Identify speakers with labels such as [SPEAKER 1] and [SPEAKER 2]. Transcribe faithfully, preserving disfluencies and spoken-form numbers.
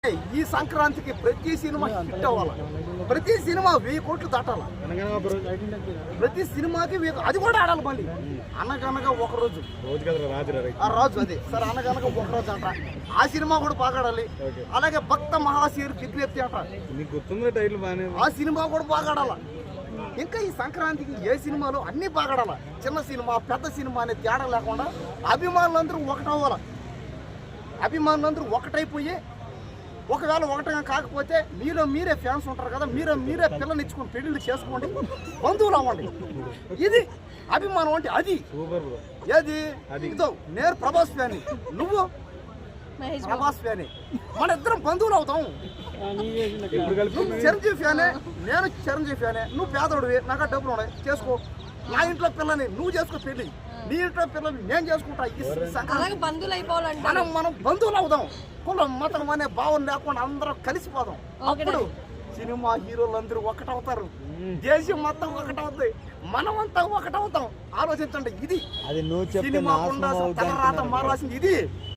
[SPEAKER 1] ఈ సంక్రాంతికి ప్రతి సినిమా హిట్ అవ్వాలి. ప్రతి సినిమా వెయ్యి కోట్లు దాటాలి. ప్రతి సినిమాకి వెయ్యి- అది కూడా ఆడాలి. మళ్ళీ అనగనగా ఒక రోజు ఆ రాజు అదే సార్ అనగనగా ఒక రోజు అంట. ఆ సినిమా కూడా బాగా ఆడాలి. అలాగే భక్త మహాశీరు విజ్ఞప్తి అంట. ఆ సినిమా కూడా బాగా ఆడాలి. ఇంకా ఈ సంక్రాంతికి ఏ సినిమాలు అన్ని బాగా ఆడాలి. చిన్న సినిమా పెద్ద సినిమా అనే తేడా లేకుండా అభిమానులందరూ ఒకటవ్వాలి. అభిమానులందరూ ఒకటైపోయి ఒకవేళ ఒకటిగా కాకపోతే మీలో మీరే ఫ్యాన్స్ ఉంటారు కదా, మీరే మీరే పిల్లలు ఇచ్చుకొని పెళ్లిళ్ళు చేసుకోండి, బంధువులు అవ్వండి. ఇది అభిమానం అంటే అది. ఏది ఇదో నేను ప్రభాస్ ఫ్యాన్, నువ్వు ప్రభాస్ ఫ్యాన్, మన ఇద్దరం బంధువులు అవుతాం. నువ్వు చిరంజీవి ఫ్యానే, నేను చిరంజీవి ఫ్యానే. నువ్వు పేదోడివి, నాకు డబ్బులు ఉన్నాయి, చేసుకో. నా ఇంట్లో పిల్లని నువ్వు చేసుకో పెళ్లి, నీ ఇంట్లో పిల్లలు నేను చేసుకుంటా. మనం మనం బంధువులు అవుదాం. కులం మతం అనే భావం లేకుండా అందరం కలిసిపోదాం. అప్పుడు సినిమా హీరోలు అందరూ ఒకటవుతారు, దేశం మొత్తం ఒకటవుతుంది, మనమంతా ఒకటవుతాం. ఆలోచించండి. ఇది సినిమా ఉండాల్సిన తలరాత మారాల్సింది ఇది.